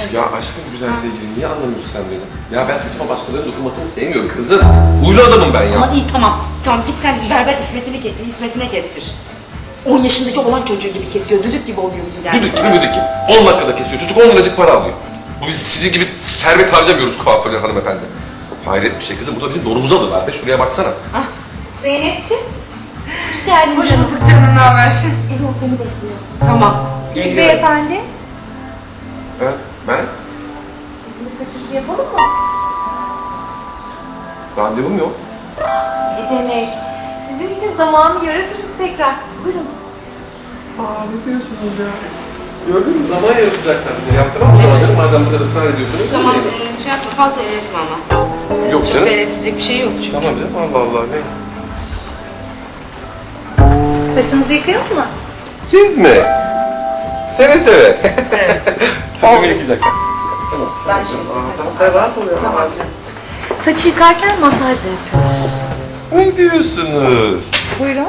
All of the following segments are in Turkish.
Ya aşkım güzel sevgilim, niye anlamıyorsun sen beni? Ya ben saçıma başkalarının dokunmasını sevmiyorum kızım. Huylu adamım ben ya. Ama iyi tamam. Tamam git sen berber İsmet'ine kestir. 10 yaşındaki olan çocuğu gibi kesiyor. Düdük gibi oluyorsun yani. Düdük gibi müdük gibi. 10 dakikada kesiyor. Çocuk 10 liracık para alıyor. Bu biz sizin gibi servet harcamıyoruz kuaförler hanımefendi. Hayret bir şey kızım. Bu da bizim donumuza alırlar be. Şuraya baksana. Ah. Zeynep'ciğim. Hoş geldin. Hoş bulduk canım, ne haber? Erol seni bekliyor. Tamam. Geliyor. Beyefendi, Ben? sizin de saçınızı yapalım mı? Randevum yok. Ne demek? Sizin için zamanı yaratırız tekrar. Buyurun. Aa ne diyorsunuz ya? Gördün mü? Zaman yaratacaklar bize. Yaptıramam o zaman canım. Madem bu kadar ısrar ediyorsunuz. Tamam şey yapma fazla eğretme ama. Yok Çok canım. da eğretilecek bir şey yok çünkü. Tamam canım. Allah Allah. Ne? Saçınızı yıkayalım mı? Siz mi? Seve seve. Evet. Saçımı yıkayacaklar. Tamam. Ben şimdi. Tamam sen rahat ol ya. Tamam canım. Saçı yıkarken masaj da yapıyoruz. Ne diyorsunuz? Buyurun.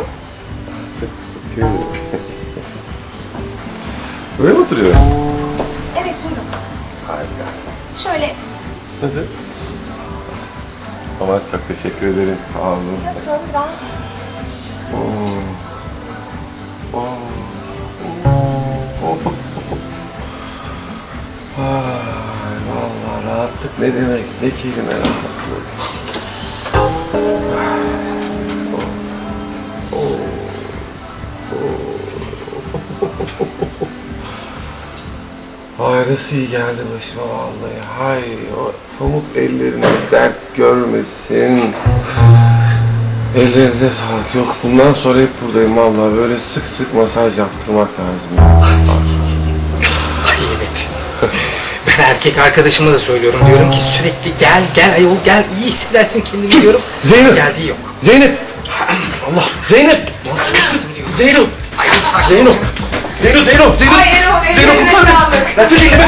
Böyle mi oturuyor? Evet, buyurun. Harika. Şöyle. Nasıl? Ama çok teşekkür ederim. Sağ olun. Nasıl? Rahat. Ay, vallahi rahatlık ne demek? Ne kelime rahatlık. Ay nasıl iyi geldi başıma vallahi. Hay o pamuk elleriniz dert görmesin. Ellerinize sağlık. Yok bundan sonra hep buradayım vallahi. Böyle sık sık masaj yaptırmak lazım. Ya. Ay evet. Ben erkek arkadaşıma da söylüyorum. Diyorum ki sürekli gel ayol gel iyi hissedersin kendini diyorum. Zeynep! Geldiği yok. Zeynep! Allah! Zeynep! Sıkıştım diyor. Zeyno! Ayol sakin. Zeyno! Zeyno! Zeyno! Zeyno! Ay Erol, Zeyno ellerine kurtar beni! sağlık. Lan çek elimi!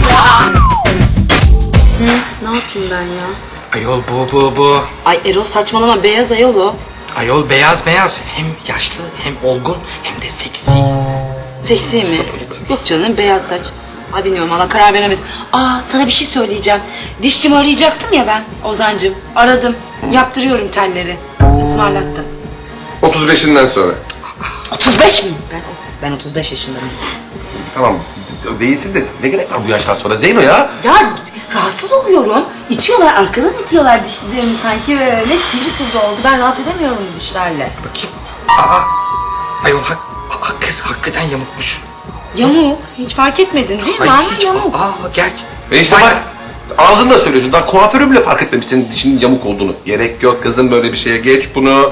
Ne yapayım ben ya? Ayol bu. Ay Erol saçmalama beyaz ayol o. Ayol beyaz. Hem yaşlı hem olgun hem de seksi. Seksi mi? Yok canım beyaz saç. Ay bilmiyorum valla karar veremedim. Aa sana bir şey söyleyeceğim. Dişçimi arayacaktım ya ben Ozancığım. Aradım. Yaptırıyorum telleri. Ismarlattım. 35'inden sonra. 35 miyim? Ben 35 yaşındayım. Tamam. Değilsin de ne gerek var bu yaştan sonra Zeyno ya? Ya rahatsız oluyorum. İtiyorlar arkadan itiyorlar dişlerimi sanki öyle sivri oldu. Ben rahat edemiyorum bu dişlerle. Bakayım. Ayol kız hakikaten yamukmuş. Yamuk. Hiç fark etmedin değil mi? Ama yamuk. Gerçi. İşte bak ağzında söylüyorsun. Daha kuaförü bile fark etmemiş senin dişinin yamuk olduğunu. Gerek yok kızım böyle bir şeye geç bunu.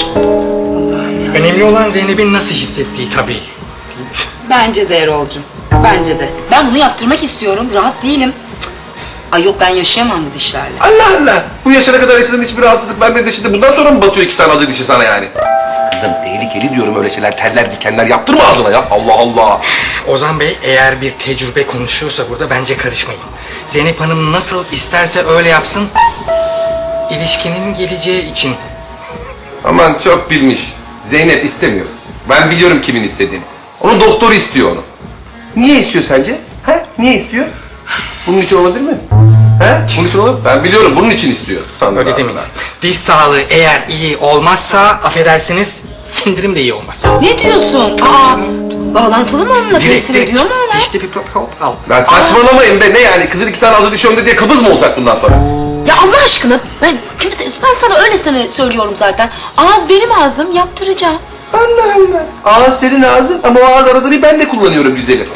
Önemli olan Zeynep'in nasıl hissettiği tabii. Bence de Erol'cum. Bence de. Ben bunu yaptırmak istiyorum. Rahat değilim. Cık. Ay yok ben yaşayamam bu dişlerle. Allah Allah! Bu yaşına kadar yaşadığın hiçbir rahatsızlık vermedi de şimdi bundan sonra mı batıyor 2 tane acı dişi sana yani? Kızım tehlikeli diyorum öyle şeyler, teller, dikenler yaptırma ağzına ya. Allah Allah! Ozan Bey eğer bir tecrübe konuşuyorsa burada bence karışmayın. Zeynep Hanım nasıl isterse öyle yapsın. İlişkinin geleceği için. Aman çok bilmiş. Zeynep istemiyor. Ben biliyorum kimin istediğini. Onun doktoru istiyor onu. Niye istiyor sence? He? Niye istiyor? Bunun için olabilir mi? He? Bunun için olabilir mi? Ben biliyorum bunun için istiyor. Öyle demeyin. Diş sağlığı eğer iyi olmazsa affedersiniz sindirim de iyi olmaz. Ne diyorsun? Aa, bağlantılı mı onunla? Tesir ediyor mu ona? İşte bir problem al. Ben saçmalamayın be ne yani? Kızın 2 tane acı dişi önde diye kıbız mı olacak bundan sonra? Ya Allah aşkına ben sana öylesine söylüyorum zaten. Ağız benim ağzım yaptıracağım. Allah Allah. Ağız senin ağzın ama o ağız aradığını ben de kullanıyorum güzelim.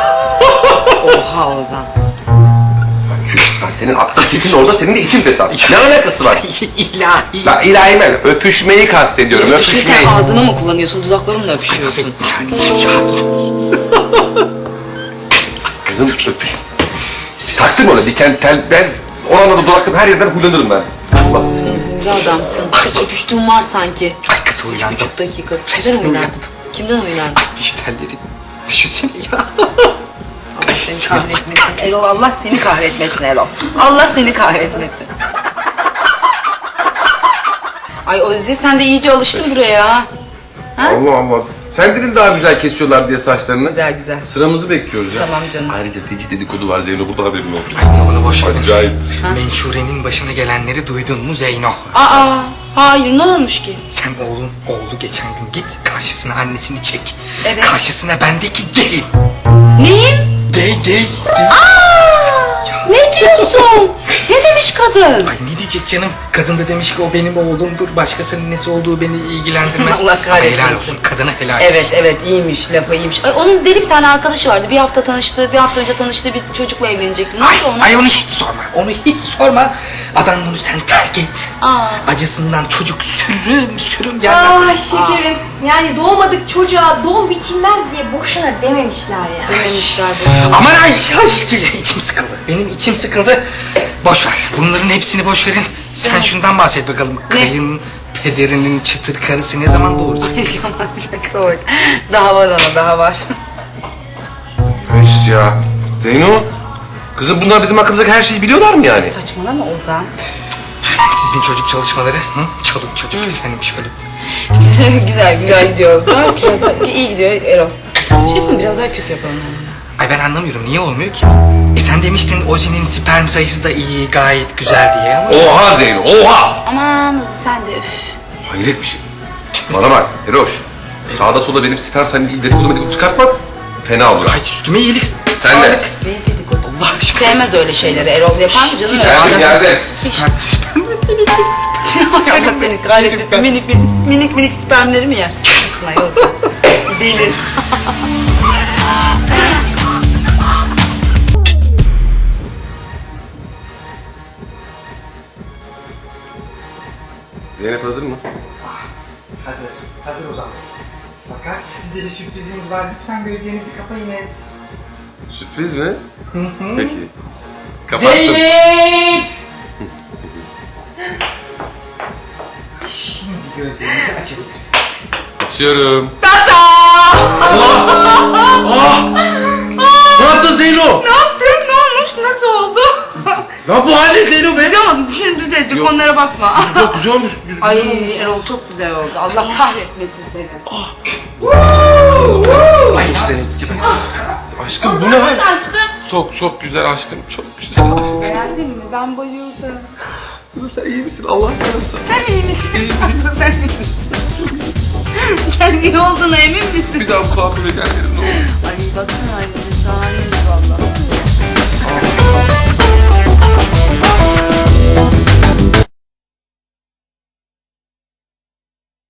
Oha Ozan. Ya senin aklın tipin orada, senin de için fesat. Ne alakası var? İlahi. La ilahi ben öpüşmeyi kastediyorum, öpüşmeyi. Öpüşürken ağzını mı kullanıyorsun, dudaklarımla öpüşüyorsun? Kızım öpüş. Taktım ona diken tel, ben oranla da dudaklarım her yerden huylanırım ben. Allah seni. Ne adamsın. Çok öpüştüğün var sanki. Ay kız huylandım. 3,5 dakika. Kimden Kesin huylandın? huylandım. Kimden huylandın? Ay diş telleri. Düşünsene ya. Allah seni kahretmesin Erol. Allah seni kahretmesin Erol. Allah seni kahretmesin. Ay Ozi sen de iyice alıştın buraya ha. Allah Allah. Sen daha güzel kesiyorlar diye saçlarını. Güzel güzel. Sıramızı bekliyoruz ya. Tamam canım. Ayrıca feci dedikodu var Zeyno, burada haberin olsun. Ay onu boş ver. Acayip. Menşure'nin başına gelenleri duydun mu Zeyno? Aa, hayır ne olmuş ki? Sen oğlu geçen gün git karşısına annesini çek. Evet. Karşısına bendeki gay. Neyim? Gay. Ne diyorsun? Ne demiş kadın? Ay ne diyecek canım? Kadın da demiş ki o benim oğlumdur. Başkasının nesi olduğu beni ilgilendirmez. Allah kahretsin. Helal olsun. Kadına helal olsun. Evet evet iyiymiş, lafı iyiymiş. Ay, onun deli bir tane arkadaşı vardı. Bir hafta tanıştı, bir hafta önce tanıştığı bir çocukla evlenecekti. Ne oldu ona? Ay onu hiç sorma. Onu hiç sorma. Adam bunu sen terk et. Aa. Acısından çocuk sürüm yerler. Ay şekerim. Yani doğmadık çocuğa doğum biçilmez diye boşuna dememişler ya. Dememişler bu. Aman ay içim sıkıldı. Benim içim sıkıldı. Boş ver. Bunların hepsini boş verin. Sen şundan bahset bakalım. Kayın pederinin çıtır karısı ne zaman doğuracak? Daha var ona, daha var. Öş ya. Zeyno. Kızım bunlar bizim hakkımızdaki her şeyi biliyorlar mı yani? Saçmalama Ozan. Sizin çocuk çalışmaları. Hı? Çoluk çocuk efendim şöyle. güzel gidiyor. Biraz iyi gidiyor Erol. Şey yapalım, biraz daha kötü yapalım. Ay ben anlamıyorum niye olmuyor ki? Sen demiştin Ozi'nin sperm sayısı da iyi gayet güzel diye ama. Oha Zeyno, oha! Aman Ozi sen de üf. Hayret bir şey. Bana bak Eroş. Sağda solda benim sperm sen değil dedikodu çıkartma. Fena olur. Ay üstüme iyilik Sen de. sağlık. Ne dedikodu? Allah aşkına. Sevmez öyle şeyleri. Erol yapar mı canım? Geldim yerde. Hay Allah seni kahretmesin. Minik spermleri mi yersin? Deli. Zeynep hazır mı? Hazır o zaman. Fakat size bir sürprizimiz var. Lütfen gözlerinizi kapayınız. Sürpriz mi? Peki. Kapattım. Zeynep! Şimdi gözlerinizi açabilirsiniz. Açıyorum. Ne yaptın Zeyno? Ne yaptın? Ne olmuş? Nasıl oldu? Ya bu halin Zeyno be? Ama şimdi düzelecek, onlara bakma. Çok güzel olmuş. Ay Erol çok güzel oldu. Allah kahretmesin seni. Ay senin gibi. Aşkım bu ne hal? Çok güzel aşkım. Çok güzel aşkım. Beğendin mi? Ben bayıldım. Sen iyi misin? Allah yarasın. Sen iyi misin? Sen iyi misin? Sen iyi olduğuna emin misin? Bir daha bu kuaföre gel derim ne olur. Ay baksana halinde şahane.